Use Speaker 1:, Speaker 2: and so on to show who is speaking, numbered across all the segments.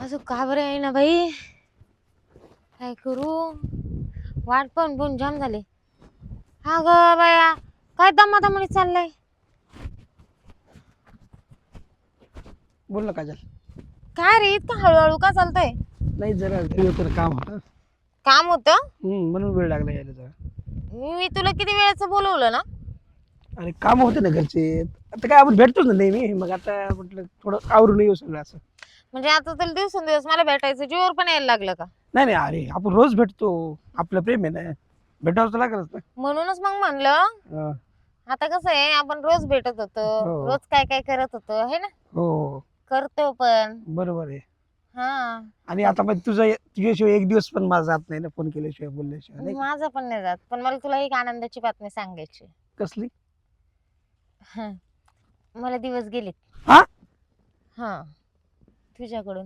Speaker 1: अजून का बरं आहे ना बाई. काय करू. वाट पण जाम झाले. हा ग बाया. काय दमादमाने चाललंय.
Speaker 2: बोल ना काजल.
Speaker 1: काय रे इतकं हळूहळू का चालतंय.
Speaker 2: नाही जरा घरी होतं काम होतं.
Speaker 1: काम होतं.
Speaker 2: म्हणून वेळ लागला यायला जरा.
Speaker 1: मी तुला किती वेळेचं बोलवलं ना.
Speaker 2: अरे काम होते ना घरचे. आता काय आपण भेटतोच ना नेहमी, मग आता म्हटलं थोडं आवरून येऊ सगळं असं.
Speaker 1: म्हणजे आता तुला दिवसेंदिवस मला भेटायचं जीवर पण यायला लागलं का.
Speaker 2: नाही नाही, अरे आपण रोज भेटतो. आपलं प्रेम आहे ना, भेटावं तर लागलच ना.
Speaker 1: म्हणूनच मग म्हणलं.
Speaker 2: हा.
Speaker 1: आता कसं आहे आपण रोज भेटत होतो.
Speaker 2: हो.
Speaker 1: रोज काय काय करत होतो हे ना.
Speaker 2: हो
Speaker 1: करतो पण.
Speaker 2: बरोबर आहे.
Speaker 1: हा.
Speaker 2: आणि आता मग तुझ्याशिवाय एक दिवस पण माझा जात नाही ना, फोन केल्याशिवाय बोलल्याशिवाय नाही का?
Speaker 1: माझं पण नाही जात, पण मला तुला एक आनंदाची बातमी सांगायची.
Speaker 2: कसली?
Speaker 1: हं. मला दिवस गेलेत.
Speaker 2: हा?
Speaker 1: हा. तुझ्याकडून.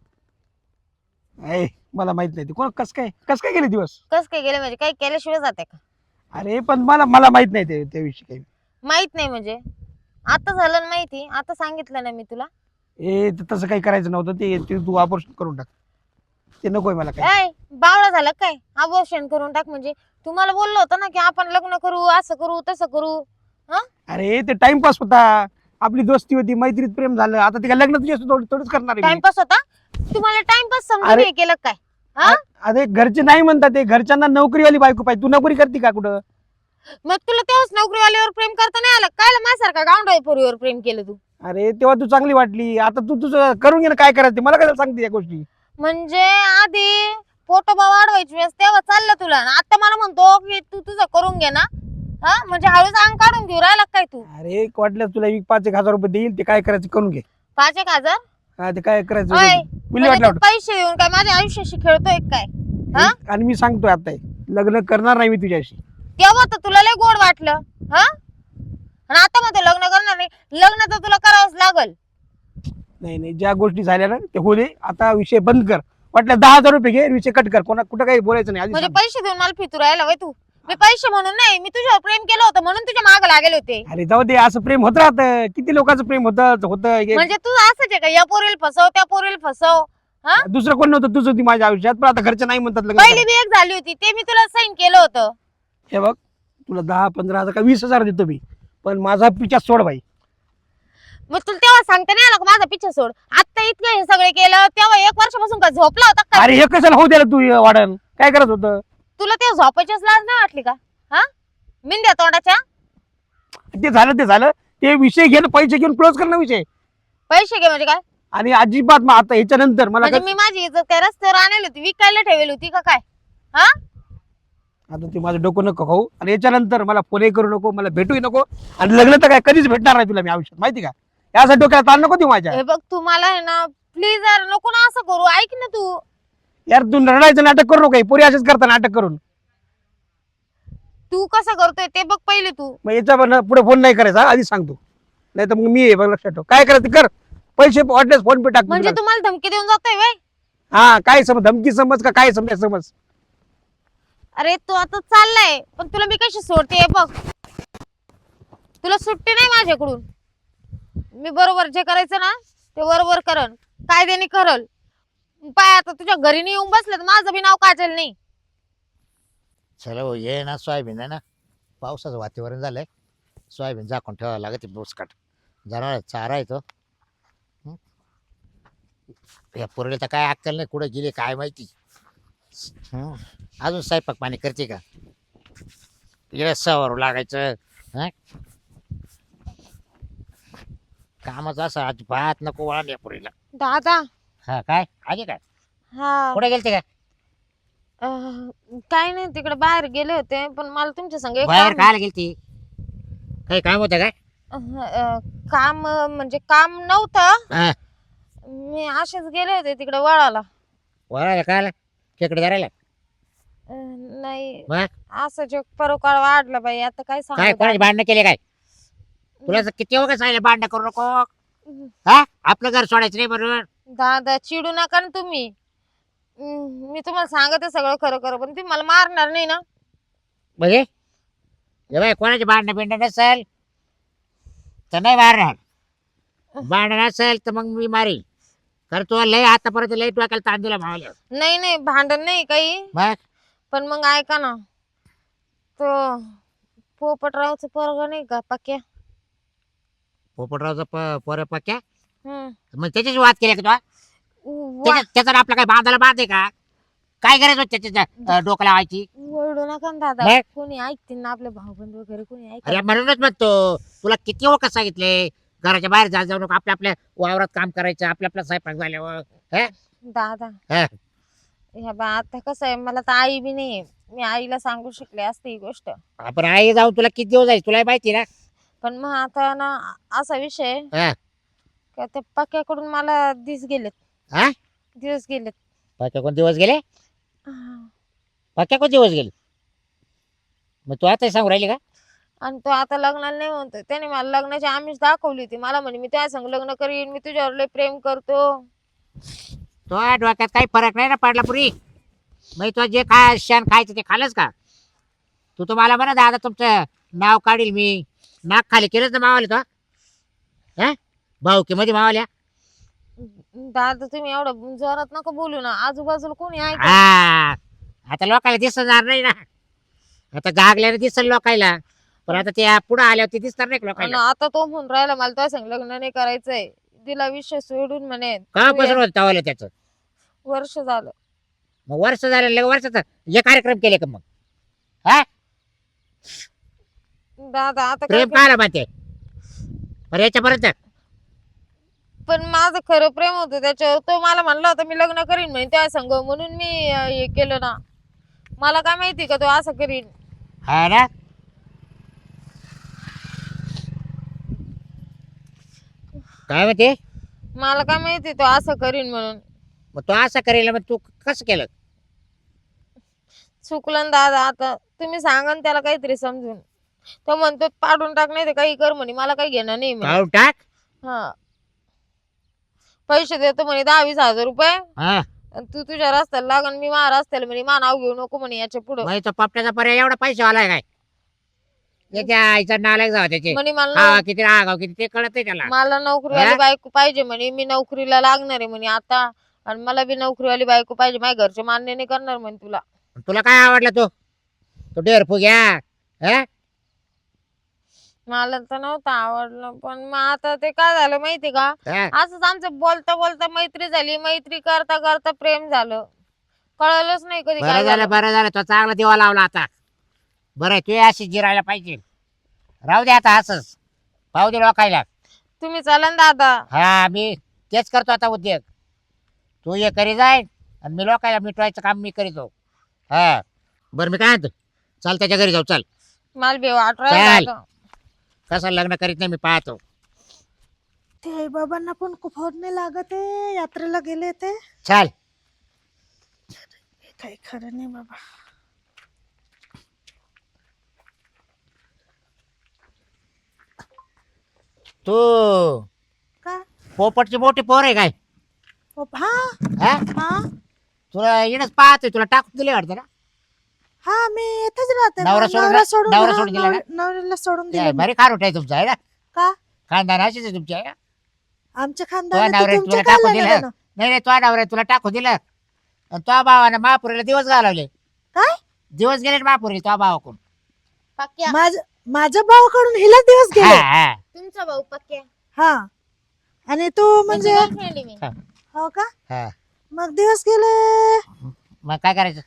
Speaker 2: ऐ मला माहित नाही, कोण कस काय गेले दिवस?
Speaker 1: कस काय गेले म्हणजे काही केल्याशिवाय जाते का.
Speaker 2: अरे पण मला माहित नाही त्याविषयी काही.
Speaker 1: माहित नाही म्हणजे आता झालं ना माहिती. आता सांगितलं ना मी तुला.
Speaker 2: तसं काही करायचं नव्हतं. ते तू ऑपरेशन करून टाक. ते नकोय मला काय.
Speaker 1: ऐ बावळा झालं काय. अबॉर्शन करून टाक म्हणजे. तुम्हाला बोललो होतं ना की आपण लग्न करू, असं करू तसं करू. हा.
Speaker 2: अरे ते टाइमपास होता. आपली दोस्ती होती, मैत्रीत प्रेम झालं. आता ते काय लग्न तुझ्या थोडंच करणार आहे मी.
Speaker 1: टाइमपास होता. तुम्हाला टाइमपास समजून
Speaker 2: अरे.
Speaker 1: हे केलं काय. हा.
Speaker 2: अरे घरचे नाही म्हणतात, ते घरच्यांना नोकरीवाली बायको पाहिजे. तू नोकरी करते का कुठं?
Speaker 1: मग तुला तेव्हाच नोकरीवाल्यावर प्रेम करता नाही आलं काय. माझ्यासारखा गावंढळ पोरीवर प्रेम केलं तू.
Speaker 2: अरे तेव्हा तू चांगली वाटली. आता तू तुझं करून घे ना, काय करायचं ते. मला काय सांगते या गोष्टी.
Speaker 1: म्हणजे आधी पोटोबा वाढवायची वेळेस तेव्हा चाललं तुला. आणि आता मला म्हणतो की तू तुझं करून घे ना. हा म्हणजे हळूच अंग काढून घेऊ राहिला काय तू.
Speaker 2: अरे वाटलं तुला 5,000 रुपये देईल, ते काय करायचं करून घे.
Speaker 1: 5,000.
Speaker 2: हा ते काय करायचं
Speaker 1: ओय,
Speaker 2: विल्हेवाट
Speaker 1: म्हणजे
Speaker 2: लाव.
Speaker 1: तू पैसे देऊन काय माझ्या आयुष्याशी खेळतोय काय. हा.
Speaker 2: आणि मी सांगतोय आता लग्न करणार नाही मी तुझ्याशी.
Speaker 1: तेव्हा तर तुला लय गोड वाटलं. हा. आणि आता म्हणतो लग्न करणार नाही. लग्न तर तुला करावंच लागल.
Speaker 2: नाही नाही, ज्या गोष्टी झाल्या ना ते होऊ दे. आता विषय बंद कर. वाटलं 10,000 रुपये घे, विषय कट कर. कुठं काही बोलायचं नाही आधी
Speaker 1: म्हणजे
Speaker 2: सांग.
Speaker 1: पैसे देऊन मला फितू राहिला वय तू. मी पैसे म्हणून नाही, मी तुझ्यावर प्रेम केलं होतं म्हणून तुझ्या मागे लागले होते.
Speaker 2: अरे जाऊ दे, असं प्रेम होत राहतं. किती लोकांचं प्रेम होतं.
Speaker 1: म्हणजे तू असंच आहे का. या पोरीला फसव त्या पोरीला फसव. हा.
Speaker 2: दुसरं कोण नव्हतं, तुझं होती माझ्या आयुष्यात. पण आता घरचे नाही म्हणतात लग्न
Speaker 1: पहिली
Speaker 2: करायला.
Speaker 1: बी एक झाली होती ते मी तुला साईन केलं होतं.
Speaker 2: हे बघ, तुला 10-15,000 का 20,000 देतो मी, पण माझा पिच्छा सोड बाई.
Speaker 1: मग तुला तेव्हा सांगता नाही आलं का माझा पिच्छा सोड. आता इतकं हे सगळे केलं तेव्हा 1 वर्षापासून का झोपला होता का.
Speaker 2: अरे हे कशाला होऊ द्यायला तू वाढन. काय करत होतं?
Speaker 1: तुला तेव्हा झोपायचीच लाज नाही वाटली का. हा. मिंद्या तोंडाच्या.
Speaker 2: ते झालं. ते विषय घेणं, पैसे घेऊन क्लोज करणं विषय.
Speaker 1: पैसे घे म्हणजे काय.
Speaker 2: आणि अजिबात मग आता ह्याच्यानंतर मला
Speaker 1: म्हणजे मी माझी इज्जत त्या रस्त्यावर आणली होती विकायला ठेवली होती का काय. हा.
Speaker 2: आता ते माझं डोकं नको खाऊ. आणि याच्यानंतर मला फोनही करू नको, मला भेटूही नको. आणि लग्न तर काय कधीच भेटणार नाही तुला मी आयुष्यात, माहिती का. यासाठी डोक्याला ताण नको देऊ माझ्या.
Speaker 1: हे बघ तू मला आहे ना प्लीज यार नको ना असं करू. ऐक ना तू.
Speaker 2: यार तू रडायचं नाटक करू नको. पुरी असेच करता नाटक करून.
Speaker 1: तू कसं करतोय ते बघ पहिले तू.
Speaker 2: मग याच्या पुढे फोन नाही करायचा आधी सांगतो. नाही तर मग मी आहे बघ, लक्षात ठेव. काय करायचं कर. पैसे वाटलेस फोन पे टाक
Speaker 1: म्हणजे
Speaker 2: तुला.
Speaker 1: तुम्हाला धमकी देऊन जातोय वय.
Speaker 2: हा काय समज, धमकी समज का काय समज.
Speaker 1: अरे तू आता चाललाय पण तुला मी कशी सोडते हे बघ. तुला सुट्टी नाही माझ्याकडून. मी बरोबर जे करायचं ना ते बरोबर करल. कायद्याने करल. पाय आता तुझ्या घरी नाही येऊन बसलं तर माझं बी नाव काजल नाही.
Speaker 3: चला भाऊ ये ना, सोयाबीन आहे ना, पावसाचं वातावरण झालंय. सोयाबीन झाकून ठेवावं लागत बोसकाट. जरा चारा येतो. या पोरीला तर काय अक्कल नाही, कुठं गेली काय माहिती. अजून स्वयंपाक पाणी करते का. इकडे सवारू लागायचं. हा. कामाचं असं अजिबात नको वळण या पोरीला.
Speaker 1: दादा.
Speaker 3: हा काय आली काय,
Speaker 1: हा.
Speaker 3: कुठे गेलते काय.
Speaker 1: काय नाही तिकडे बाहेर गेले होते पण मला तुमच्या संग एक
Speaker 3: बाहेर
Speaker 1: काम-
Speaker 3: खायला गेलती. काही काम होतं काय.
Speaker 1: काम म्हणजे काम नव्हतं.
Speaker 3: हा.
Speaker 1: मी असेच गेले होते तिकडे वळाला.
Speaker 3: वळायला खायला खेकडे धरायला.
Speaker 1: नाही
Speaker 3: मग
Speaker 1: असं जे परोकाळ वाढलं बाई आता काय
Speaker 3: काय
Speaker 1: सांगू
Speaker 3: कोणाची भांडणं केले काय. तुला असं किती वगैरे सांगितलं भांडणं करू नको. हा आपलं घर सोडायचं नाही बरोबर.
Speaker 1: दादा चिडू नका ना तुम्ही. मी तुम्हाला सांगते सगळं खरं खरं पण तुम्ही मला मारणार नाही ना.
Speaker 3: म्हणजे हे बाय कोणाची भांडणं बिंडणं नसेल तर नाही मारणार. भांडण असेल तर मग मी मारील. कारण तुला लय आतापर्यंत लय डोक्याला ताण दिला भावाला.
Speaker 1: नाही नाही भांडण नाही काही,
Speaker 3: मग
Speaker 1: पण मग ऐका ना, तो पोपटरावचं पोरग नाही का पक्या?
Speaker 3: पोपटरावचा पोऱ्या पक्या.
Speaker 1: हम्म.
Speaker 3: मग त्याच्याशी वाद केला का तू? त्याचा आणि आपला काय बांधायला बांध आहे का? काय करायचं होतं त्याच्या डोक्याला व्हायची?
Speaker 1: ओरडू नका ना दादा,
Speaker 3: नाही.
Speaker 1: कोणी ऐकतील ना आपले भाऊबंद वगैरे कोणी ऐक.
Speaker 3: अरे म्हणूनच म्हणतो तुला किती वखत सांगितले घराच्या बाहेर जाऊ नको, आपल्या आपल्या वावरात काम करायचं, आपल्या आपला स्वयंपाक झाल्यावर.
Speaker 1: दादा
Speaker 3: हा.
Speaker 1: ह्या बा आता कसं आहे, मला तर आई बी नाही, मी आईला सांगू शकले असते ही गोष्ट,
Speaker 3: आपण आई जाऊन तुला किती दिवस जायचं तुला माहिती ना.
Speaker 1: पण मग आता ना असा विषय आहे
Speaker 3: हा.
Speaker 1: का त्या पक्याकडून मला दिस गेलेत.
Speaker 3: हा?
Speaker 1: दिवस गेलेत.
Speaker 3: पक्या कोण दिवस गेले?
Speaker 1: हा.
Speaker 3: पक्या कोण दिवस गेले? मग तू आता सांगू राहिली का?
Speaker 1: आणि तो आता लग्नाला नाही म्हणतो, त्याने मला लग्नाची आमिष दाखवली होती, मला म्हणे मी त्या संग लग्न करीन, मी तुझ्यावर लय प्रेम करतो.
Speaker 3: तो डोक्यात काही फरक नाही ना पडला पुरी. मग तो जे काय शेण खायचं ते खालच का? तू तर मला म्हणा दादा तुमचं नाव काढील मी, नाक खाली केलंच ना मावाले तो. हा भाऊकी मध्ये मावाल्या.
Speaker 1: दादा तुम्ही एवढं जोरात नका बोलू ना, आजूबाजूला कोणी ऐक.
Speaker 3: हा आता लोकायला दिसणार नाही ना, आता गागल्याने दिसल लोकायला, पण आता ते पुढे आल्यावर ते दिसणार नाही का लोकायला.
Speaker 1: आता तो म्हणून राहिला मला त्या संग लग्न नाही करायचंय, तिला विषय सोडून म्हणे.
Speaker 3: का पसरत होत तवाला त्याचं?
Speaker 1: वर्ष झालं.
Speaker 3: मग वर्ष झालं लगे वर्षाचा हे कार्यक्रम केले का मग? हा
Speaker 1: दादा आता काय
Speaker 3: प्रेम पाहायला माहिती बरं याच्यापर्यंत.
Speaker 1: पण माझं खरं प्रेम होतं त्याच्यावर, तो मला म्हणला होता मी लग्न करीन म्हणे त्या संग, म्हणून मी हे केलं ना. मला काय माहिती का तो असं करीन.
Speaker 3: हा ना. काय म्हणते?
Speaker 1: मला काय माहिती तो असं करीन म्हणून.
Speaker 3: मग तो असं करेल मग तू कसं केलं?
Speaker 1: चुकलं ना दादा, आता तुम्ही सांगा ना त्याला काहीतरी समजून. तो म्हणतो पाडून टाक नाही तर काही कर म्हणे, मला काही घेणं नाही म्हणे.
Speaker 3: काढून टाक.
Speaker 1: हा पैसे देतो म्हणे 10-20 हजार रुपये,
Speaker 3: हा
Speaker 1: आणि तू तुझ्या रस्त्याला लाग आणि मी माझ्या रस्त्याला म्हणे, मा नाव घेऊ नको म्हणे याच्या पुढं
Speaker 3: मग तो पापट्याचा पर्याय एवढा पैसे आलाय काय? त्याच्या आईचा नालायक जावा त्याचे.
Speaker 1: म्हणे मला
Speaker 3: हा किती रागाव किती ते कळत नाही त्याला.
Speaker 1: मला नोकरीवाली बायको पाहिजे म्हणे, मी नोकरीला लागणार आहे म्हणे आता, आणि मला बी नोकरीवाली बायको पाहिजे, माझ्या घरचे मान्य नाही करणार म्हणे तुला.
Speaker 3: तुला काय आवडला तो डेअरफू घ्या. हा
Speaker 1: मला तर नव्हतं आवडलं, पण मग आता ते काय झालं माहिती का,
Speaker 3: हा.
Speaker 1: असंच आमचं बोलता बोलता मैत्री झाली, मैत्री करता करता प्रेम झालं, कळलंच नाही कधी
Speaker 3: बरं
Speaker 1: काय
Speaker 3: झालं
Speaker 1: झालं.
Speaker 3: बरं झालं तो चांगला दिवा लावला आता. बरं तू अशी जिरायला पाहिजे. राहू दे आता असंच पाहू दे लोकायला.
Speaker 1: तुम्ही चला ना दादा.
Speaker 3: हा मी तेच करतो आता उद्योग. तू ये करी जाय आणि मी लोकायला मिटवायचं काम मी करीतो. हा बरं मी काय म्हणतो चल त्याच्या घरी जाऊ चल.
Speaker 1: मला बी
Speaker 3: चल.
Speaker 1: वाटलं
Speaker 3: कसं लग्न करीत नाही मी पाहतो.
Speaker 4: ते आई बाबांना पण खूप होत नाही लागत आहे, यात्रेला गेले ते.
Speaker 3: चल.
Speaker 4: काही खरं नाही बाबा.
Speaker 3: तू
Speaker 4: का
Speaker 3: पोपटची मोठी पोर आहे काय?
Speaker 4: हा
Speaker 3: हा
Speaker 4: हा
Speaker 3: तुला येणंच पाहतोय तुला टाकून दिले वाटतं ना.
Speaker 4: हा मी येतच राहते.
Speaker 3: नवरा सोडून- नवरा सोडून दिला का?
Speaker 4: नवऱ्याला सोडून
Speaker 3: काय
Speaker 4: दिलं मी.
Speaker 3: भारी खारोट आहे तुमचा आहे ना.
Speaker 4: का
Speaker 3: खानदान अशीच आहे तुमच्या आहे ना?
Speaker 4: आमच्या
Speaker 3: तुझ्या
Speaker 4: खानदानात
Speaker 3: नवऱ्याने
Speaker 4: तुमच्या
Speaker 3: तुला
Speaker 4: काय
Speaker 3: टाकून
Speaker 4: लेणं
Speaker 3: दिलं.
Speaker 4: देणं?
Speaker 3: नाही नाही तुझ्या नवऱ्याने तुला टाकून दिलं आणि तुझ्या भावाने महापुरीला दिवस घालवले.
Speaker 4: काय
Speaker 3: दिवस गेले महापुरी तुझ्या भावाकडून.
Speaker 1: पक्या.
Speaker 4: माझ्या भावाकडून हिला दिवस
Speaker 3: हा,
Speaker 4: गेले.
Speaker 3: हा.
Speaker 1: तुमचा भाऊ पक्या
Speaker 4: हा आणि तू म्हणजे
Speaker 1: girlfriend आहे मी.
Speaker 4: हो का,
Speaker 3: हा.
Speaker 4: मग दिवस गेले.
Speaker 3: मग काय करायचं?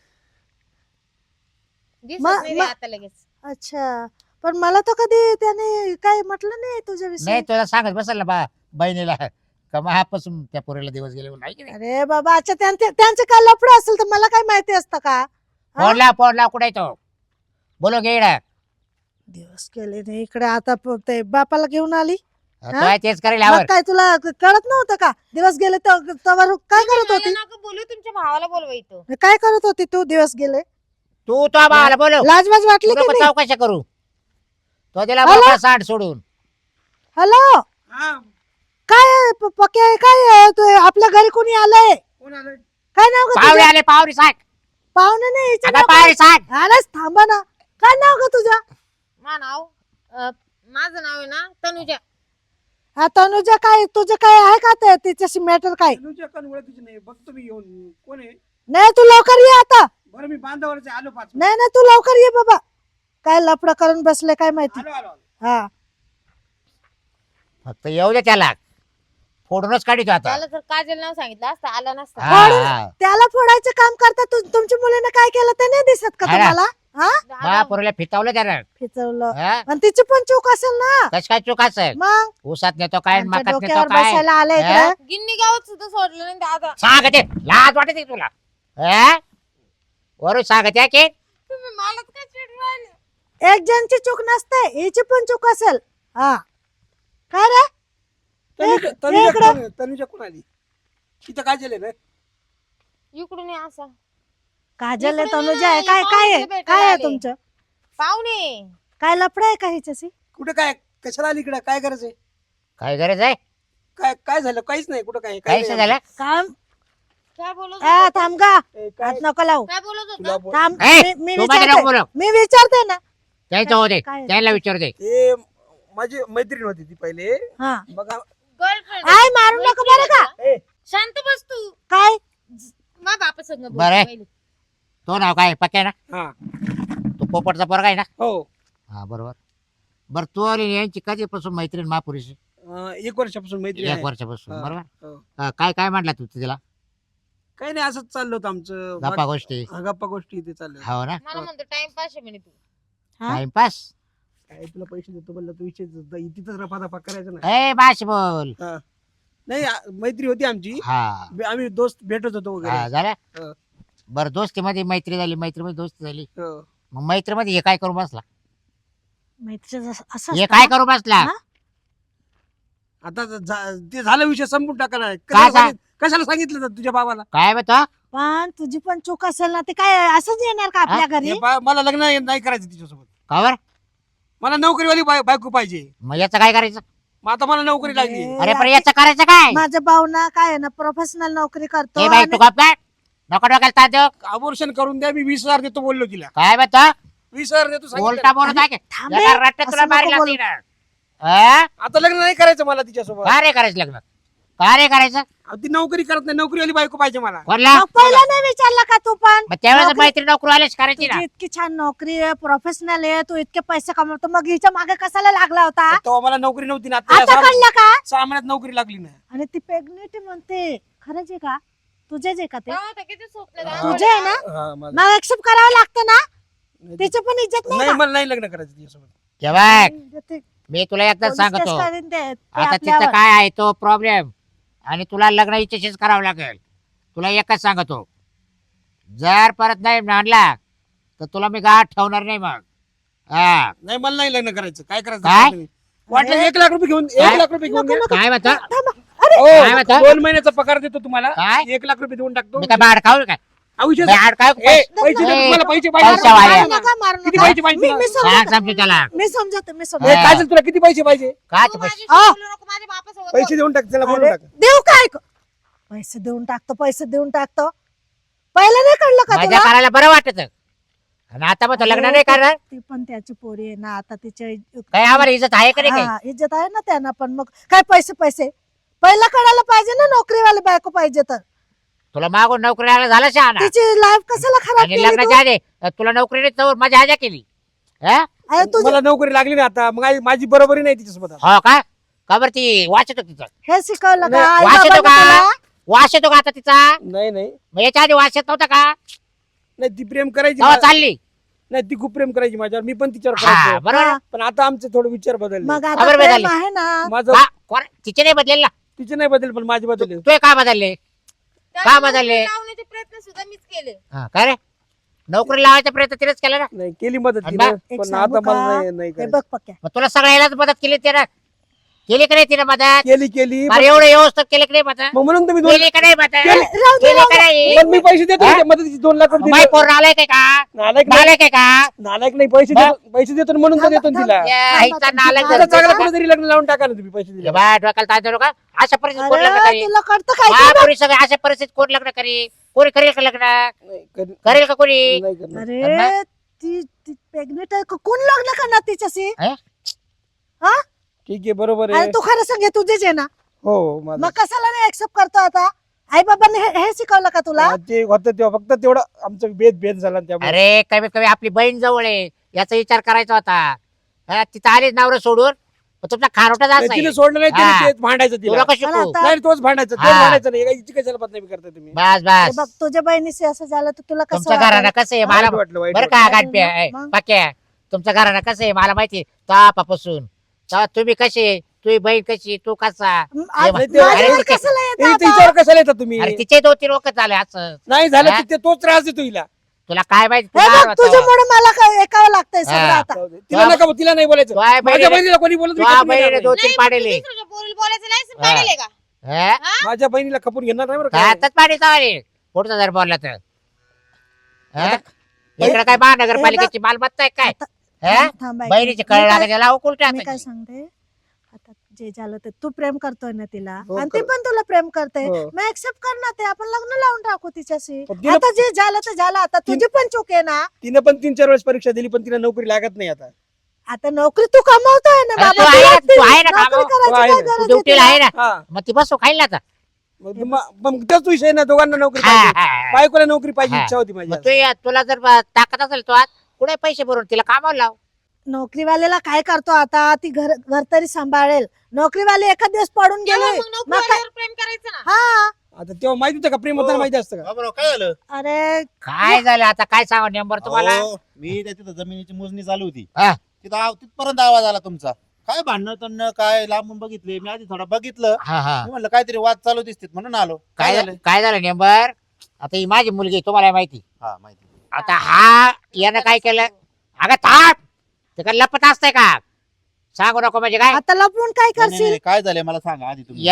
Speaker 1: दिसत
Speaker 4: मग-
Speaker 1: नाही रे आता लगेच.
Speaker 4: अच्छा, पण मला तर कधी त्याने काय म्हटलं नाही तुझ्याविषयी.
Speaker 3: नाही तुला सांगत बसल ना बा बहिणीला का महापासून त्या पोरीला दिवस गेले म्हणून. आहे की नाही?
Speaker 4: अरे बाबा, अच्छा त्यांचे काय लफडं असेल तर मला काय माहिती असतं का? हा?
Speaker 3: फोन लाव कुठे आहे तो? बोलो घे इकडं.
Speaker 4: दिवस गेले नाही इकडे, आता ते बापाला घेऊन आली.
Speaker 3: तो आहे तेच करेल
Speaker 4: मग
Speaker 3: यावर.
Speaker 4: काय तुला कळत नव्हतं का दिवस गेले तर तवर काय करत
Speaker 1: मला
Speaker 4: होती?
Speaker 1: नका बोलू, तुमच्या भावाला बोलवा इथं.
Speaker 4: काय करत होती तू दिवस गेले?
Speaker 3: तू तो भावाला बोलव.
Speaker 4: लाजबाज वाटली
Speaker 3: तू
Speaker 4: की
Speaker 3: नको
Speaker 4: नाही?
Speaker 3: चौकशा करू. तो दिला
Speaker 4: हॅलो?
Speaker 3: मोकळा सांड सोडून.
Speaker 4: हॅलो,
Speaker 2: हा,
Speaker 4: काय पक्या आहे? काय आहे? तू आपल्या घरी कोणी आलंय?
Speaker 2: कोण आलंय?
Speaker 4: काय नाव ग
Speaker 3: पाहुणे
Speaker 4: तुझं?
Speaker 3: आले पाहुणे सांग.
Speaker 4: पाहुणे नाही, हिचं
Speaker 3: आता
Speaker 4: नाव
Speaker 3: पाहुणे सांग.
Speaker 4: काय? अरे थांबा ना. काय नाव ग तुझं?
Speaker 1: माझं नाव माझं नाव आहे ना तनुजा.
Speaker 4: तनुजा काय तुझं काय आहे का ते तिच्याशी मॅटर काय
Speaker 2: तनुजा कोण ओळखीची नाही, बघतो मी येऊन कोण आहे.
Speaker 4: नाही तू लवकर ये आता
Speaker 2: बरं मी बांधावरच आहे, आलो 5
Speaker 4: नाही नाही तू लवकर ये बाबा काय लफडं करून बसले काय माहिती
Speaker 2: आलो आलो आलो.
Speaker 4: हा
Speaker 3: फक्त येऊ दे त्याला फोडूनच काढितो आता
Speaker 1: त्याला जर काजल नाव सांगितलं असतं आला नसता.
Speaker 3: हा,
Speaker 4: फोडून-
Speaker 3: हा.
Speaker 4: त्याला फोडायचं काम करता तुमच्या मुलीने काय केलं ते नाही दिसत का
Speaker 3: हा ना.
Speaker 4: तुम्हाला हा
Speaker 3: महापुरीला फितावलं त्यानं
Speaker 4: फिचवलं
Speaker 3: हा?
Speaker 4: आणि तिची पण चूक असेल ना
Speaker 3: कस काय चूक असेल
Speaker 4: मग
Speaker 3: ऊसात नेतो काय
Speaker 4: आमच्या
Speaker 3: मकात नेतो
Speaker 4: डोक्यावर
Speaker 3: काय
Speaker 4: बसायला आलं
Speaker 3: हा?
Speaker 4: इकडे
Speaker 1: गिन्नी गावात सुद्धा सोडलं नाही दादा.
Speaker 3: सांगते लाज वाटते तुला हा? वरून सांगते की
Speaker 1: तुम्ही मलाच काय चिडून राहिले?
Speaker 4: एक जणची चूक नसते हिची पण चूक असेल हा काय रे
Speaker 2: तनुजा-
Speaker 4: एक-
Speaker 2: तनुजा
Speaker 4: इकडं.
Speaker 2: कोण- तनुजा कोण आली तिथं काय झालं ना.
Speaker 1: इकडून ये असा
Speaker 4: काजल आहे,
Speaker 1: इकडे
Speaker 4: तनुजा आहे
Speaker 1: नाही,
Speaker 4: काय काय आहे
Speaker 1: पाहुणे
Speaker 4: काय आहे
Speaker 1: भेटायला
Speaker 4: तुमचं
Speaker 1: पाहुणे.
Speaker 4: काय लफडं आहे का हिच्याशी
Speaker 2: कुठे काय कशाला आली इकडे, काय गरज आहे,
Speaker 3: काय गरज आहे
Speaker 2: काय काय झालं, काहीच नाही कुठं काय
Speaker 3: काय
Speaker 2: नाही.
Speaker 3: झालं
Speaker 4: काम
Speaker 1: काय बोलत
Speaker 4: आ,
Speaker 1: होता?
Speaker 4: थांब गा
Speaker 2: ए, काय
Speaker 4: हात नको लावू
Speaker 1: काय बोलत
Speaker 2: तुला
Speaker 1: होता?
Speaker 2: बोल-
Speaker 4: थांब
Speaker 3: ए,
Speaker 4: मी
Speaker 3: तू माझ्या नको
Speaker 4: विचारते
Speaker 3: बोलू
Speaker 4: मी विचारते ना
Speaker 3: त्याचं होते
Speaker 4: काय?
Speaker 3: त्याला विचारू दे
Speaker 2: ते माझी मैत्रीण होती ती पहिले,
Speaker 4: हा
Speaker 2: बघा.
Speaker 1: गर्लफ्रेंड.
Speaker 4: आय मारू नको बरं का
Speaker 2: ए,
Speaker 1: शांत बस तू.
Speaker 4: काय
Speaker 1: मा बापा संग बोल
Speaker 3: बरं आहे.
Speaker 1: पहिले.
Speaker 3: तो नाव काय पक्या ना
Speaker 2: हा
Speaker 3: तो पोपटचा पोरगा आहे ना
Speaker 2: हो.
Speaker 3: हा बरोबर बरं तू आणि यांची कधीपासून मैत्रीण महापुरीशी
Speaker 2: 1 वर्षापासून मैत्री
Speaker 3: एक
Speaker 2: आहे.
Speaker 3: वर्षापासून
Speaker 2: हा,
Speaker 3: बरोबर
Speaker 2: हो.
Speaker 3: काय काय म्हटला तू तिला
Speaker 2: काही नाही, असंच चाललं होतं आमचं.
Speaker 3: गप्पा गोष्टी
Speaker 2: हा, गप्पा गोष्टी इथे चालल्या.
Speaker 3: हो ना
Speaker 1: मला म्हणतो टाइमपास आहे म्हणे तू.
Speaker 4: हा?
Speaker 3: टाइमपास
Speaker 2: काय तुला पैसे देतो म्हणलं, तू तिथंच रफा करायचं ना.
Speaker 3: ए बाश बोल
Speaker 2: हा. नाही मैत्री होती आमची,
Speaker 3: हा
Speaker 2: आम्ही दोस्त भेटत होतो
Speaker 3: हा
Speaker 2: वगैरे.
Speaker 3: झालं
Speaker 2: हो.
Speaker 3: बरं दोस्तीमध्ये मैत्री झाली मैत्रीमध्ये दोस्ती झाली
Speaker 2: हो.
Speaker 3: मग मैत्रीमध्ये हे काय करू बसला
Speaker 4: मैत्रीचं असं
Speaker 3: हे
Speaker 4: असतं
Speaker 3: काय
Speaker 4: का?
Speaker 3: करू बसला
Speaker 4: हा?
Speaker 2: आता ते झालं, विषय संपून टाकायला.
Speaker 3: काय सांग?
Speaker 2: कशाला सांगितलं तर तुझ्या बाबाला.
Speaker 3: काय म्हणतो
Speaker 4: पण तुझी पण चूक असेल ना ते काय असंच येणार का आपल्या घरी
Speaker 2: मला लग्न नाही करायचं तिच्यासोबत.
Speaker 3: कावर
Speaker 2: मला नोकरीवाली बायको पाहिजे.
Speaker 3: मग याचं काय करायचं
Speaker 2: मग आता मला नोकरी लागली.
Speaker 3: अरे पण याचं करायचं काय
Speaker 4: माझा भाऊ ना काय आहे ना प्रोफेशनल नोकरी करतो
Speaker 3: ए बाई
Speaker 4: आणि-
Speaker 3: तू गप काय नको डोक्याला ताण देऊ
Speaker 2: अबॉर्शन करून द्या, मी 20,000 देतो बोललो तिला.
Speaker 3: काय म्हणतो
Speaker 2: 20,000 देतो सांगितलं.
Speaker 3: बोलता बोलत आहे
Speaker 4: थांब
Speaker 3: का?
Speaker 4: रे,
Speaker 3: एका रट्ट्यात तुला
Speaker 4: असं
Speaker 3: मारी
Speaker 4: नको
Speaker 3: लागली
Speaker 4: बोलू.
Speaker 3: ना हा?
Speaker 2: आता लग्न नाही करायचं मला तिच्यासोबत.
Speaker 3: का रे करायचं लग्न का रे करायचं
Speaker 2: अहो, ती नोकरी करत नाही, नोकरीवाली बायको पाहिजे मला.
Speaker 3: कोणला
Speaker 4: मग पहिला नाही विचारला का तू पण
Speaker 3: मग त्यावेळेस
Speaker 4: नोकरी-
Speaker 3: मैत्री नोकरी आलेच करायची ना
Speaker 4: तुझी इतकी छान नोकरी आहे प्रोफेशनल आहे तू इतके पैसे कमवतो मग हिच्या मागे कशाला लागला होता
Speaker 2: तेव्हा मला नोकरी नव्हती ना. आता या
Speaker 4: आता कळलं का
Speaker 2: 6 महिन्यात नोकरी लागली ना.
Speaker 4: आणि ती प्रेग्नेंट म्हणते खरंच आहे का तुझेच आहे का ते
Speaker 1: तेव्हा तर किती स्वप्न
Speaker 2: हा.
Speaker 4: तुझे आहे ना
Speaker 2: हा, माझं.
Speaker 4: मग एक्सेप्ट करावं लागतं ना तिचं पण इज्जत नाही
Speaker 2: नाही,
Speaker 4: का?
Speaker 2: मला नाही लग्न करायचं तिच्यासोबत.
Speaker 3: तेव्हा
Speaker 4: ते
Speaker 3: मी तुला एकदा
Speaker 4: पोलीस
Speaker 3: सांगतो
Speaker 4: केस करीन ते
Speaker 3: आता तिचं
Speaker 4: आपल्यावर.
Speaker 3: काय आहे तो प्रॉब्लेम आणि तुला लग्न इच्छेशीच करावं लागेल तुला एकच सांगतो जर परत नाही म्हणला तर तुला मी गाठ ठेवणार नाही मग हा
Speaker 2: नाही, मला नाही लग्न करायचं. काय करायचं
Speaker 3: काय?
Speaker 2: ते तुम्ही. वाटलं 1 लाख रुपये घेऊन
Speaker 3: काय?
Speaker 2: 1 लाख रुपये घेऊन
Speaker 4: नको,
Speaker 2: घ्या.
Speaker 4: नको.
Speaker 3: काय म्हणतो
Speaker 4: थांबा. अरे
Speaker 2: हो,
Speaker 3: काय म्हणता?
Speaker 2: 2 महिन्याचा पगार देतो तुम्हाला.
Speaker 3: काय?
Speaker 2: 1 लाख रुपये देऊन टाकतो.
Speaker 3: मी काय बाड खाऊ काय
Speaker 2: हा, विषय
Speaker 3: मी आड खाऊ
Speaker 2: ए, पैसे देतो
Speaker 3: ए,
Speaker 2: तुम्हाला, पैसे
Speaker 3: पैसा
Speaker 2: पाहिजे.
Speaker 3: वाया.
Speaker 4: मारू नका, मारू
Speaker 2: किती
Speaker 4: नका.
Speaker 2: पैसे पाहिजे
Speaker 4: मी- मी
Speaker 2: तुला?
Speaker 3: सांग
Speaker 4: समजते.
Speaker 3: समजू त्याला
Speaker 4: मी समजते मी
Speaker 2: ए,
Speaker 4: समजते
Speaker 2: काय झालं तुला, किती पैसे पाहिजे?
Speaker 3: काय
Speaker 1: तू
Speaker 3: पैसे
Speaker 1: माझ्याशी
Speaker 4: आ.
Speaker 1: बोलू नको, माझ्या बापासोबत
Speaker 2: पैसे देऊन टाक त्याला, बोलून
Speaker 4: अरे,
Speaker 2: टाक.
Speaker 4: देऊ काय पैसे देऊन टाकतो पैसे देऊन टाकतो पहिलं नाही कळलं का
Speaker 3: मजा
Speaker 4: तुला
Speaker 3: करायला बरं वाटत आणि आता मग तो लग्न नाही करणार
Speaker 4: ती पण त्याची पोरी आहे ना आता तिच्या
Speaker 3: काय आम्हाला इज्जत आहे का नाही काही
Speaker 4: हा, इज्जत आहे ना त्यांना पण मग काय पैसे पैसे पहिला कळायला पाहिजे ना नोकरीवाले बायको पाहिजे तर
Speaker 3: तुला मागून नोकरी झाला शहाणा
Speaker 4: तिची लाईफ कशाला खराब
Speaker 3: आणि
Speaker 4: केली तू?
Speaker 3: लग्नाच्या आधी तुला नोकरी नाही तर मजा आजा केली हा?
Speaker 4: अरे तुझी
Speaker 2: मला नोकरी लागली ना आता, मग माझी बरोबरी नाही तिच्यासोबत आता.
Speaker 3: हो का का बरं ती वाच येतो तिचा
Speaker 4: हे शिकवलं का
Speaker 2: नाही,
Speaker 4: आई
Speaker 3: वास येतो
Speaker 4: बाबांनी
Speaker 3: का
Speaker 4: तुला?
Speaker 3: वास येतो का आता तिचा
Speaker 2: नाही नाही
Speaker 3: मग याच्या आधी वास येत नव्हता का
Speaker 2: नाही, ती प्रेम करायची
Speaker 3: तेव्हा चालली
Speaker 2: नाही, ती खूप प्रेम करायची माझ्यावर, मी पण तिच्यावर
Speaker 3: हा
Speaker 2: करायचो.
Speaker 3: बरोबर
Speaker 4: हा.
Speaker 2: पण आता आमचे थोडे विचार बदलले.
Speaker 4: मग
Speaker 3: खबर
Speaker 4: आता
Speaker 3: बदलली.
Speaker 4: प्रेम आहे ना
Speaker 2: माझं
Speaker 3: तिचे नाही बदलेल ना
Speaker 2: तिचे नाही बदल, पण माझे बदलले.
Speaker 3: तू का बदलले
Speaker 1: त्याला
Speaker 3: का बदलले?
Speaker 1: नोकरी लावण्याचे प्रयत्न सुद्धा मीच केले.
Speaker 3: हा, काय रे नोकरी लावायचा प्रयत्न तिनेच केला ना
Speaker 2: नाही, केली मदत
Speaker 3: आणि
Speaker 2: तिने,
Speaker 4: एक
Speaker 2: पण
Speaker 4: सांगू
Speaker 2: आता मला
Speaker 4: का?
Speaker 2: नाही
Speaker 4: हे
Speaker 2: करायचं.
Speaker 4: बघ पक्या
Speaker 3: मग तुला सगळ्यालाच मदत केली तिनं केली का नाही तिनं मदत
Speaker 2: केली
Speaker 3: अरे एवढं व्यवस्थित केली की नाही मदत
Speaker 2: मग म्हणून तुम्ही
Speaker 3: केली का नाही मदत
Speaker 2: केली.
Speaker 4: राहू दे,
Speaker 3: केली
Speaker 4: राहू
Speaker 3: का
Speaker 4: दे.
Speaker 3: नाही
Speaker 2: पण मी पैसे देतो
Speaker 3: हा?
Speaker 2: ना, मदतीचे 2 लाख रुपये
Speaker 3: माय
Speaker 2: देतो.
Speaker 3: पोर आलाय काय का
Speaker 2: नालायक नाही,
Speaker 3: नालायक आहे का
Speaker 2: नालायक नाही, पैसे
Speaker 3: बा-
Speaker 2: देतो, पैसे देतो ना म्हणून तर देतो ना तिला.
Speaker 3: या, हिचा नालायक
Speaker 2: आता
Speaker 3: जरा.
Speaker 2: चांगला कोणीतरी लग्न लावून टाका ना तुम्ही पैसे दिले.
Speaker 3: बाय डोक्याला ताण देऊ नका अशा परिस्थितीत कोण लग्न
Speaker 4: अरे
Speaker 3: करेल
Speaker 4: तुला कळतं काय ते बघ.
Speaker 3: महापुरुष सगळे अशा परिस्थितीत कोण लग्न करेल कोणी करेल का लग्न
Speaker 2: नाही,
Speaker 3: करेल का कोणी
Speaker 2: नाही करणार.
Speaker 4: अरे ती प्रेग्नेंट आहे कोण लग्न करणार तिच्याशी
Speaker 3: हे?
Speaker 4: हा
Speaker 2: ठीक आहे बरोबर
Speaker 4: आणि
Speaker 2: आहे.
Speaker 4: तू खरं सांग हे तुझेच आहे ना
Speaker 2: हो माझं.
Speaker 4: मग कशाला नाही ऍक्सेप्ट करतो आता आई बाबांनी हे शिकवलं का तुला
Speaker 2: ते होतं तेव्हा फक्त तेवढं आमचं भेद झाला त्यामुळे.
Speaker 3: अरे कमीत कमी आपली बहीण जवळ आहे याचा विचार करायचा होता. हा, तिथं आलीच नवरा सोडून पण तुमचा खारोटा
Speaker 2: नाही,
Speaker 3: जात
Speaker 2: तिने सोडलं नाही, तिने
Speaker 3: हा.
Speaker 2: तेच भांडायचं तिला.
Speaker 3: तुला कशी
Speaker 4: मला आता-
Speaker 2: नाही तोच भांडायचं, तेच
Speaker 3: हा.
Speaker 2: भांडायचं नाही. हिची कशाला बदनामी करताय तुम्ही?
Speaker 3: बस
Speaker 4: हे
Speaker 3: बस
Speaker 4: बघ तुझ्या बहिणीशी असं झालं तर तुला कसं
Speaker 3: तुमच्या घरानं
Speaker 4: वाटेल?
Speaker 3: कसं आहे
Speaker 2: वाईट
Speaker 3: मला
Speaker 2: वाटलं, वाईट
Speaker 3: बरं का
Speaker 2: वाटलं.
Speaker 3: गाणप्या
Speaker 4: मग?
Speaker 3: पक्या तुमच्या घरानं कसं आहे मला माहिती तापापासून तुम्ही कसे तुझी बहीण कशी तू कसा
Speaker 4: आज
Speaker 3: नाही,
Speaker 2: ते-
Speaker 4: माझ्यावर
Speaker 3: अरे,
Speaker 4: कशाला येतं
Speaker 2: ए,
Speaker 4: आता?
Speaker 2: तिच्यावर कशाला येतात तुम्ही?
Speaker 3: अरे तिचे 2-3 वखत झाले असं
Speaker 2: नाही झालं
Speaker 3: हा?
Speaker 2: तर तोच त्रास देतो हिला.
Speaker 3: तुला काय माहिती
Speaker 4: हे
Speaker 3: तुला
Speaker 4: बघ तुझ्यामुळे मला काय ऐकावं लागतंय सगळं
Speaker 3: हा.
Speaker 4: आता
Speaker 2: तिला नका तिला नाही बोलायचं.
Speaker 3: तुझ्या
Speaker 2: माझ्या
Speaker 3: बहिणीने
Speaker 2: बहिणीला कोणी बोलत मी
Speaker 3: तुझ्या
Speaker 2: खपून घेणार
Speaker 3: बहिणीने
Speaker 2: नाही.
Speaker 3: 2-3 पाडेले
Speaker 1: दुसऱ्याच्या पोरीला बोलायचं लायसन
Speaker 3: हा.
Speaker 1: काढले का
Speaker 2: माझ्या बहिणीला खपून घेणार नाही बरं का.
Speaker 3: हातात पाडी चावले पुढचा जर बोलला तर हा? इकडे काय महानगरपालिकेची मालमत्ता आहे काय हा?
Speaker 4: थांब, थांब, ऐक.
Speaker 3: बहिणीची
Speaker 4: मी
Speaker 3: कळ
Speaker 4: काय-
Speaker 3: लागायला लावू उलट्या
Speaker 4: मी काय
Speaker 3: हाताची.
Speaker 4: सांगते आता जे झालं ते तू प्रेम करतोय ना तिला
Speaker 2: हो,
Speaker 4: आणि ती
Speaker 2: कर.
Speaker 4: पण तुला प्रेम करते
Speaker 2: हो.
Speaker 4: मग ऍक्सेप्ट कर ना ते आपण लग्न लावून टाकू तिच्याशी
Speaker 2: पण तिला-
Speaker 4: आता जे झालं ते झालं आता तुझी पण चूक आहे ना
Speaker 2: तिने पण 3-4 वेळेस परीक्षा दिली पण तिला नोकरी लागत नाही आता.
Speaker 4: आता नोकरी तू कमवतोय ना
Speaker 3: अरे
Speaker 4: बाबा
Speaker 3: तू आहे
Speaker 4: तुला
Speaker 3: ना, तू आहे ना
Speaker 4: नोकरी
Speaker 3: कामावर.
Speaker 4: करायची
Speaker 2: तू आहे
Speaker 4: काय
Speaker 2: ना,
Speaker 3: तू
Speaker 4: गरज आहे
Speaker 3: ड्युटीला आहे
Speaker 4: तिला?
Speaker 3: ना
Speaker 2: हा
Speaker 3: मग ती बसू खाईल ना आता
Speaker 2: मग त्याच विषय ना दोघांना नोकरी
Speaker 3: हा,
Speaker 2: पाहिजे.
Speaker 3: हा.
Speaker 2: बायकोला नोकरी पाहिजे
Speaker 3: हा.
Speaker 2: इच्छा होती माझी.
Speaker 3: मग तुला जर ताकद असेल तो आज कुठे पैसे भरून तिला कामावर लाव
Speaker 4: नोकरीवाल्याला काय करतो आता ती घर घर तरी सांभाळेल नोकरीवाले एखाद दिवस पडून गेले
Speaker 1: मग नोकरीवाल्यावर प्रेम करायचं ना
Speaker 4: हा
Speaker 2: आता तेव्हा माहिती होतं का प्रेम होताना माहिती असतं का?
Speaker 5: बाबूराव, काय झालं
Speaker 4: अरे
Speaker 3: काय झालं आता काय सांगा नंबर तुम्हाला
Speaker 5: अहो, मी त्या तिथं जमिनीची मोजणी चालू होती
Speaker 3: हा.
Speaker 5: तिथपर्यंत आवाज आला तुमचा. काय भांडणं तणणं काय लांबून बघितले मी आधी थोडा बघितलं.
Speaker 3: हा हा
Speaker 5: मी म्हणलं काहीतरी वाद चालू दिसतात म्हणून आलो. काय झालं?
Speaker 3: काय झालं नेंबर आता ही माझी मुलगी आहे, तुम्हाला माहिती
Speaker 5: हा माहिती.
Speaker 3: आता हा यानं काय केलं अगं थांब ते काय लपत असतंय का सांगू नको म्हणजे काय
Speaker 4: आता लपवून काय
Speaker 5: नाही, नाही,
Speaker 4: करशील
Speaker 5: नाही, काय झालंय मला सांगा आधी तुम्ही.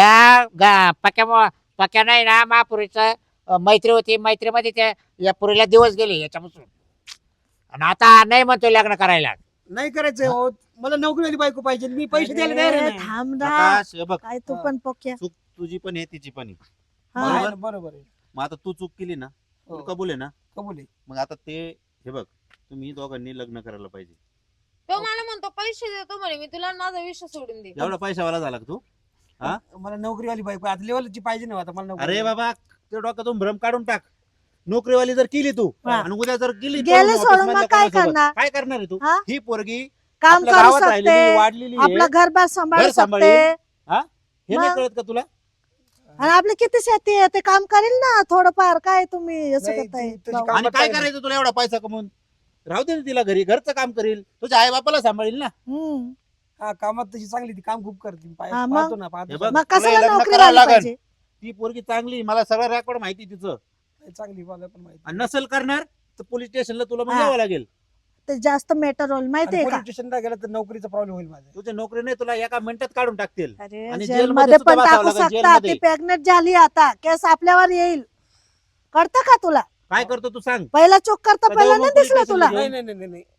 Speaker 3: पक्या नाही ना महापुरीचं मैत्री होती मैत्रीमध्ये त्या या पुरीला दिवस गेले याच्यापासून आणि आता नाही म्हणतोय लग्न करायला
Speaker 2: नाही करायचं हो. मला नोकरीवाली बायको पाहिजे मी पैसे द्यायला तयार आहे
Speaker 4: अरे,
Speaker 2: ना.
Speaker 4: थांब ना
Speaker 5: प्रकाश, हे बघ
Speaker 4: काय तू पण पोक्या
Speaker 5: चूक तुझी पण आहे तिची पण आहे.
Speaker 4: हा.
Speaker 2: आहे
Speaker 5: बरोबर.
Speaker 2: ना, बरोबर आहे.
Speaker 5: मग आता तू चूक केली ना
Speaker 2: हो.
Speaker 5: तुला कबूल आहे ना.
Speaker 2: कबूल आहे.
Speaker 5: मग आता ते हे बघ तुम्ही दोघांनी लग्न करायला पाहिजे.
Speaker 1: तो मला म्हणतो पैसे देतो म्हणे मी तुला माझा विषय सोडून दे
Speaker 5: एवढा पैशावाला झाला का तू. हा?
Speaker 2: मला नोकरीवाली बायको आता लेवलची पाहिजे ना आता मला नोकरी.
Speaker 5: अरे बाबा ते डोक्यातून भ्रम काढून टाक. नोकरीवाली जर केली तू
Speaker 4: हा.
Speaker 5: आणि उद्या जर गेली
Speaker 4: गेले
Speaker 5: पळून
Speaker 4: सोडून
Speaker 5: ऑफिसमधल्या
Speaker 4: मग काय
Speaker 5: कोणासोबत,
Speaker 4: करणार?
Speaker 5: काय करणार आहे तू.
Speaker 4: हा?
Speaker 5: ही पोरगी
Speaker 4: काम
Speaker 5: आपल्या
Speaker 4: करू
Speaker 5: गावात राहिलेली,
Speaker 4: शकते
Speaker 5: वाढलेली आहे.
Speaker 4: आपला घरबार सांभाळू
Speaker 5: घर सांभाळी.
Speaker 4: शकते
Speaker 5: हे नाही
Speaker 4: मग?
Speaker 5: कळत का तुला.
Speaker 4: आणि आपली किती शेती आहे ते काम करेल ना थोडंफार काय तुम्ही असं
Speaker 2: नाही,
Speaker 4: करताय
Speaker 2: तुझी
Speaker 4: भाऊ?
Speaker 2: काम-
Speaker 5: आणि काय करायचं तुला एवढा पैसा कमवून. राहू दे ना तिला घरी घरचं काम करील तुझ्या आई बापाला सांभाळील ना.
Speaker 4: हम्म.
Speaker 2: हा कामात तशी चांगली ती काम खूप करते
Speaker 4: हा, मग?
Speaker 2: पाहतो ना पाहतो.
Speaker 5: हे बघ,
Speaker 4: मग
Speaker 5: तुला
Speaker 4: कशाला
Speaker 5: लग्न
Speaker 4: नोकरी
Speaker 5: करावं
Speaker 4: व्हायला
Speaker 5: लागेल.
Speaker 4: पाहिजे
Speaker 5: ती पोरगी चांगली मला सगळं रेकॉर्ड माहिती तिचं.
Speaker 2: नाही, चांगली मला पण माहिती.
Speaker 5: आणि नसेल करणार तर पोलीस स्टेशनला तुला मग
Speaker 4: हा.
Speaker 5: यावं लागेल.
Speaker 4: ते जास्त मेटर रोल माहितीये का
Speaker 2: पोलीस स्टेशनला गेला तर नोकरीचा प्रॉब्लेम होईल माझा.
Speaker 5: तुझी नोकरी नाही तुला एका मिनिटात काढून टाकतील.
Speaker 4: अरे
Speaker 5: आणि
Speaker 4: जेल
Speaker 5: जेलमध्ये
Speaker 4: मध्ये
Speaker 5: सुद्धा
Speaker 4: पण
Speaker 5: बसावं
Speaker 4: टाकू
Speaker 5: लागेल,
Speaker 4: शकता
Speaker 5: जेलमध्ये.
Speaker 4: ती प्रेग्नेंट झाली आता केस आपल्यावर येईल कळतं का तुला
Speaker 5: काय करतो तू सांग.
Speaker 4: पहिला चूक करता
Speaker 5: तर
Speaker 4: पहिला
Speaker 5: जाऊ मग
Speaker 4: नाही
Speaker 5: पोलीस
Speaker 4: दिसलं तुला
Speaker 5: स्टेशनला
Speaker 2: नाही नाही नाही नाही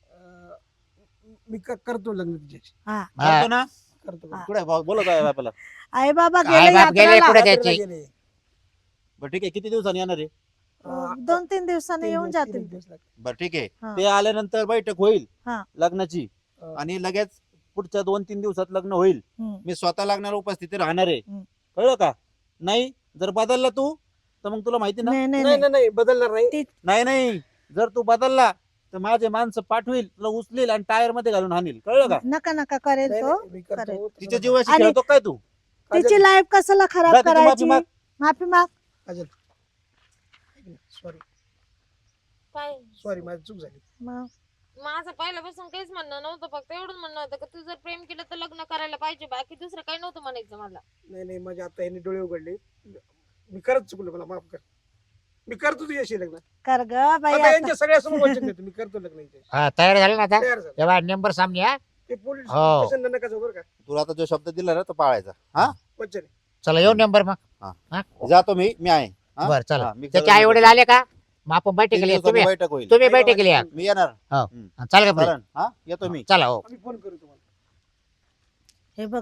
Speaker 2: मी करतो लग्न तिच्याशी.
Speaker 4: हा
Speaker 5: करतो ना.
Speaker 2: करतो
Speaker 4: हा.
Speaker 5: कुठे बोलत आहे बापाला.
Speaker 4: आई बाबा
Speaker 3: आई
Speaker 4: गेले
Speaker 3: बाप गेले
Speaker 4: यात्रेला.
Speaker 3: पुढे
Speaker 2: रात्रीला
Speaker 3: त्याची
Speaker 2: गेले.
Speaker 5: बरं ठीक आहे किती दिवसांनी येणार आहे.
Speaker 4: 2-3 दिवसांनी
Speaker 2: तीन
Speaker 4: येऊन
Speaker 2: दिवस-
Speaker 4: जातील
Speaker 2: तीन दिवस लागतील.
Speaker 5: बरं ठीक आहे
Speaker 4: हा.
Speaker 5: ते आल्यानंतर बैठक होईल
Speaker 4: हा.
Speaker 5: लग्नाची
Speaker 2: हा.
Speaker 5: आणि लगेच पुढच्या 2-3 दिवसात लग्न होईल.
Speaker 4: हम्म.
Speaker 5: मी स्वतः लग्नाला उपस्थिती राहणार आहे.
Speaker 4: हम्म.
Speaker 5: कळलं का. नाही जर बदलला तू तर मग तुला माहिती ना.
Speaker 4: नाही नाही
Speaker 2: नाही
Speaker 4: नाही.
Speaker 2: नाही नाही बदलणार नाही.
Speaker 5: नाही नाही जर तू बदलला तर माझे माणसं पाठवील तुला उचलील आणि टायर मध्ये घालून हाणील. कळलं का.
Speaker 4: नका नका करेल
Speaker 2: नाही,
Speaker 4: तो
Speaker 2: नाही, मी करतो.
Speaker 4: करेल.
Speaker 5: तिच्या जीवाशी
Speaker 4: आणि-
Speaker 5: खेळतो काय तू.
Speaker 4: तिची लाईफ कशाला खराब
Speaker 5: जा तिची माफी
Speaker 4: करायची
Speaker 5: माग.
Speaker 4: माफी माग
Speaker 2: सॉरी
Speaker 1: काय
Speaker 2: सॉरी माझी चूक झाली.
Speaker 4: मग
Speaker 1: माझं पहिल्यापासून काहीच म्हणणं नव्हतं फक्त एवढंच म्हणणं होतं की तू जर प्रेम केलं तर लग्न करायला पाहिजे बाकी दुसरं काही नव्हतं म्हणायचं मला
Speaker 2: नाही नाही माझ्या आता यांनी डोळे उघडले. मी करत चुकलो मला माफ कर. मी करतो तुझ्याशी लग्न.
Speaker 4: कर ग बाई
Speaker 2: आता
Speaker 4: आता.
Speaker 2: यांच्या सगळ्यासमोर वचन देतो मी करतो लग्न यांच्याशी.
Speaker 3: हा, तयार झाले ना आता
Speaker 2: तयार झालं.
Speaker 3: तेव्हा नंबर सामने हा
Speaker 2: ते पोलीस
Speaker 3: हो.
Speaker 2: स्टेशनला नका जाऊ बरं का.
Speaker 5: तुला आता जो शब्द दिला ना तो पाळायचा. हा
Speaker 2: वचन आहे.
Speaker 3: चला येऊ नंबर मग
Speaker 5: जातो मी आहे. हा?
Speaker 3: बर चला
Speaker 5: हा, मी
Speaker 3: त्याचे आई वडील आले का मग आपण बैठक
Speaker 5: तीन
Speaker 3: केली
Speaker 5: दिवसांनी
Speaker 3: तुम्ही
Speaker 5: बैठक होईल.
Speaker 3: तुम्ही बैठक केली या.
Speaker 5: मी येणार.
Speaker 3: चालेल का पुढे?
Speaker 5: चालेल. हा येतो मी.
Speaker 3: चला हो
Speaker 2: आम्ही फोन करू तुम्हाला.
Speaker 4: हे बघ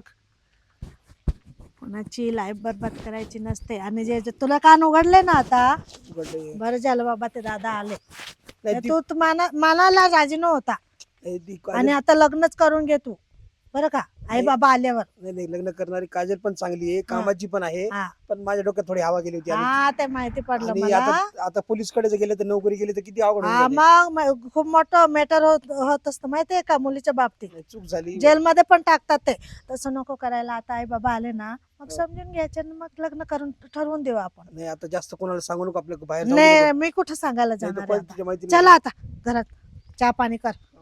Speaker 4: कोणाची लाईफ बरबाद करायची नसते आणि जे तुला कान उघडले ना आता
Speaker 2: उघडले.
Speaker 4: बरं झालं बाबा ते दादा आले
Speaker 2: नाही, ती-
Speaker 4: तू मनाला राजी नव्हता
Speaker 2: नाही, ती
Speaker 4: आणि आता लग्नच करून घे तू बरं का आई बाबा आल्यावर.
Speaker 2: नाही नाही, लग्न करणारी काजल पण चांगली आहे, कामाची पण आहे,
Speaker 4: हा.
Speaker 2: पण माझ्या डोक्यात थोडी हवा गेली होती
Speaker 4: हा ते माहिती पडलं
Speaker 2: आणि
Speaker 4: मला.
Speaker 2: आता पोलीसकडे जर गेले तर नोकरी गेली तर किती अवघड होऊन
Speaker 4: हा
Speaker 2: जाते.
Speaker 4: मग खूप मोठं मॅटर होत असतं माहितीये का मुलीच्या बाबतीत.
Speaker 2: चूक झाली.
Speaker 4: जेलमध्ये पण टाकतात ते. तसं नको करायला. आता आई बाबा आले ना मग समजून घ्यायचे आणि मग लग्न करून ठरवून देऊ आपण.
Speaker 2: नाही आता जास्त कोणाला सांगू नको, आपल्या बाहेर जाऊ
Speaker 4: नाही
Speaker 2: नको.
Speaker 4: मी कुठं सांगायला
Speaker 2: नाही तर
Speaker 4: जाणार
Speaker 2: परत
Speaker 4: आहे
Speaker 2: तिच्या
Speaker 4: आता.
Speaker 2: मैत्रिणीला-
Speaker 4: चला आता घरात चहा पाणी कर.